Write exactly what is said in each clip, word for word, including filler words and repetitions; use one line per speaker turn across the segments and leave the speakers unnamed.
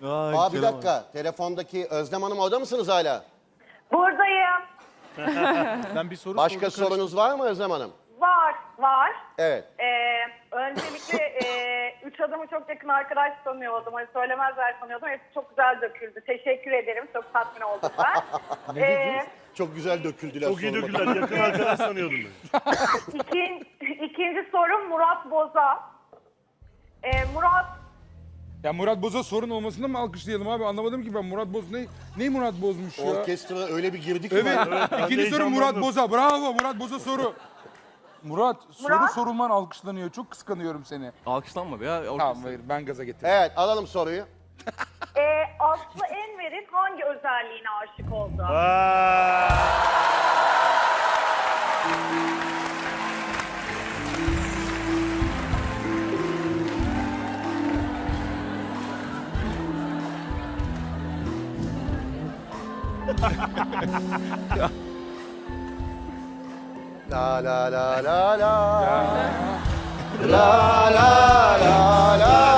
Ay,
Aa bir
Kerem
dakika. Telefondaki Özlem Hanım orada mısınız hala?
Buradayım.
Ben bir soru
Başka
sordum,
sorunuz var mı Özlem Hanım?
Var, var.
Evet.
Ee, öncelikle e, üç adamı çok yakın arkadaş sanıyordum. Hani söylemezler sanıyordum. Hepsi çok güzel döküldü. Teşekkür ederim. Çok tatmin oldum ben. ee,
Çok güzel döküldüler.
Çok iyi
sorma.
döküler. Yakın arkadaş sanıyordum ben.
ikin, ikinci sorum Murat Boza. Ee, Murat
Ya Murat Boz'a sorun olmasını mı alkışlayalım abi? Anlamadım ki ben. Murat Boz ne ne Murat Boz'muş ya?
Orkestra öyle bir girdi ki.
Evet.
ben-
ben
İkinci
de
soru Murat
heyecanlandım.
Boz'a. Bravo Murat Boz'a soru. Murat, soru
Murat?
sorulman alkışlanıyor. Çok kıskanıyorum seni.
Alkışlanma be ya. orkestra.
Tamam hayır ben gaza getirdim.
Evet alalım soruyu.
e, Aslı Enver'in hangi özelliğine aşık oldu?
Vay.
La la la la la. La la la la.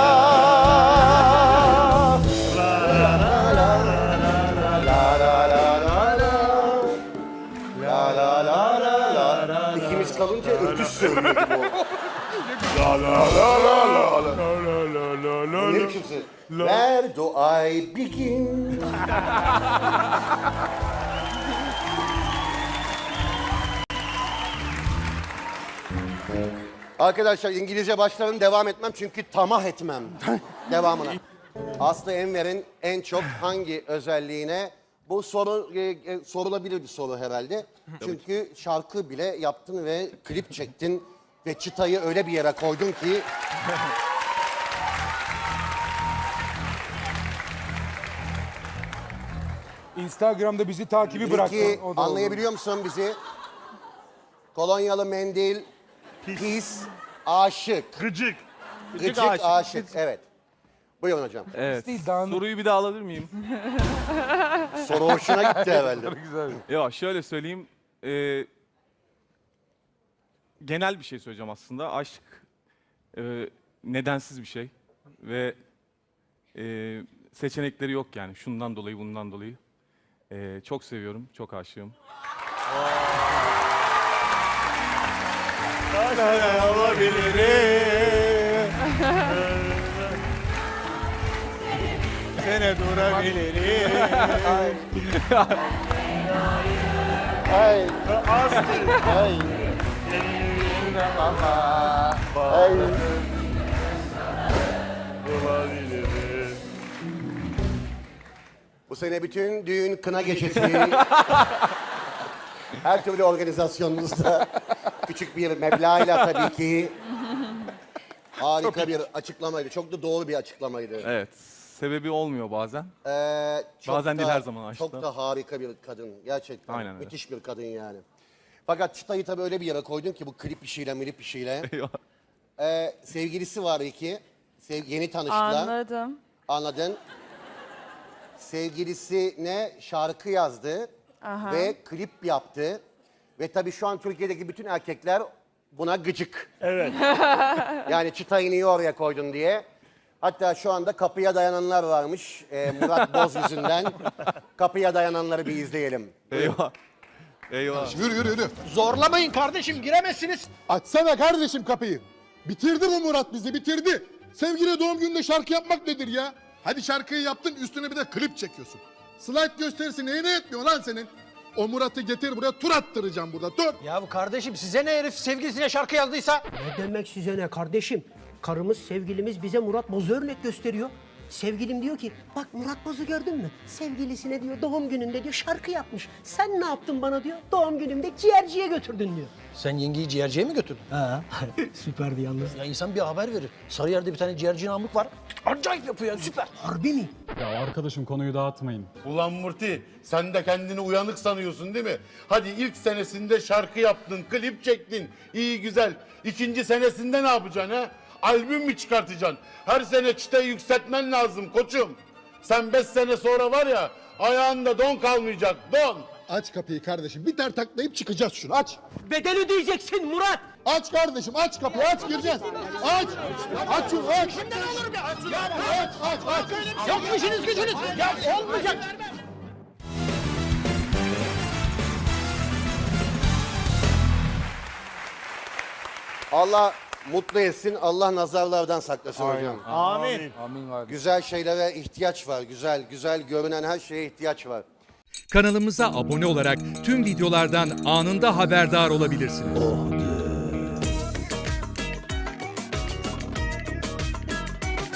La la la la la. La la la la. İkimiz kalınca ötüş söylüyor gibi oldu.
La la la la la la la la la
Ne
la.
biçimsin? Where do I begin? Arkadaşlar İngilizce başlarım devam etmem çünkü tamah etmem devamına. Aslı Enver'in en çok hangi özelliğine bu soru e, e, sorulabilir bir soru herhalde. Çünkü şarkı bile yaptın ve klip çektin ve çıtayı öyle bir yere koydun ki
Instagram'da bizi takibi bıraktın.
Peki
O da oldu.
anlayabiliyor musun bizi? Kolonyalı mendil, pis, aşık.
Gıcık.
Gıcık
aşık.
aşık. Evet. Buyurun hocam.
Evet.
Değil, daha-
Soruyu bir daha alabilir miyim?
Soru hoşuna gitti herhalde.
Güzel.
Ya şöyle söyleyeyim. e, genel bir şey söyleyeceğim aslında. Aşk e, nedensiz bir şey. Ve e, seçenekleri yok yani. Şundan dolayı, bundan dolayı. E, çok seviyorum, çok aşığım.
Sene durabilirim.
Ay,
Aslı.
ay. Ay.
Olabilirim.
Bu sene bütün düğün kına gecesi. Her türlü organizasyonunuzda küçük bir meblağıyla tabii ki harika bir açıklamaydı. Çok da doğru bir açıklamaydı.
Evet. Sebebi olmuyor bazen.
Ee, çok
Bazen
da,
değil, her zaman aşkta.
Çok da harika bir kadın. Gerçekten.
Aynen öyle.
Müthiş bir kadın yani. Fakat çıtayı tabii öyle bir yere koydun ki bu klip işiyle milip işiyle.
Eyvah.
Ee, sevgilisi var iki. Sev- yeni tanıştılar.
Anladım.
Anladın. Sevgilisine şarkı yazdı.
Aha.
Ve klip yaptı. Ve tabii şu an Türkiye'deki bütün erkekler buna gıcık.
Evet.
Yani çıtayı niye oraya koydun diye. Hatta şu anda kapıya dayananlar varmış. Ee, Murat Boz yüzünden. Kapıya dayananları bir izleyelim.
Eyvah. Eyvah.
Yürü yürü yürü.
Zorlamayın kardeşim, giremezsiniz.
Açsana kardeşim kapıyı. Bitirdi bu Murat bizi, bitirdi. Sevgili doğum gününde şarkı yapmak nedir ya? Hadi şarkıyı yaptın, üstüne bir de klip çekiyorsun. Slide gösterisi neyine yetmiyor lan senin? O Murat'ı getir buraya, tur attıracağım burada, dur.
Ya bu kardeşim size ne, herif sevgilisine şarkı yazdıysa?
Ne demek size ne kardeşim? Karımız, sevgilimiz bize Murat Boz'u örnek gösteriyor. Sevgilim diyor ki, bak Murat Boz'u gördün mü? Sevgilisine diyor doğum gününde diyor şarkı yapmış. Sen ne yaptın bana diyor, doğum günümde ciğerciye götürdün diyor.
Sen yengeyi ciğerciye mi götürdün?
Ha, süperdi yalnız.
Ya insan bir haber verir. Sarıyer'de bir tane ciğerci Namık var. Acayip yapıyor ya, süper.
Harbi mi?
Ya arkadaşım konuyu dağıtmayın.
Ulan Murti, sen de kendini uyanık sanıyorsun değil mi? Hadi ilk senesinde şarkı yaptın, klip çektin. İyi güzel. İkinci senesinde ne yapacaksın ha? Albüm mü çıkartacaksın? Her sene çıtayı yükseltmen lazım koçum. Sen beş sene sonra var ya, ayağında don kalmayacak, don.
Aç kapıyı kardeşim, bir ter taklayıp çıkacağız şunu, aç.
Bedel ödeyeceksin Murat.
Aç kardeşim, aç kapıyı, aç gireceğiz. Aç, aç şunu, aç.
Kimden olur be? Aç,
Aç, aç, aç.
Yok mu işiniz gücünüz? Ya olmayacak.
Allah mutlu etsin, Allah nazarlardan saklasın hocam.
Amin.
Amin abi.
Güzel şeylere ihtiyaç var, güzel, güzel görünen her şeye ihtiyaç var.
Kanalımıza abone olarak tüm videolardan anında haberdar olabilirsiniz.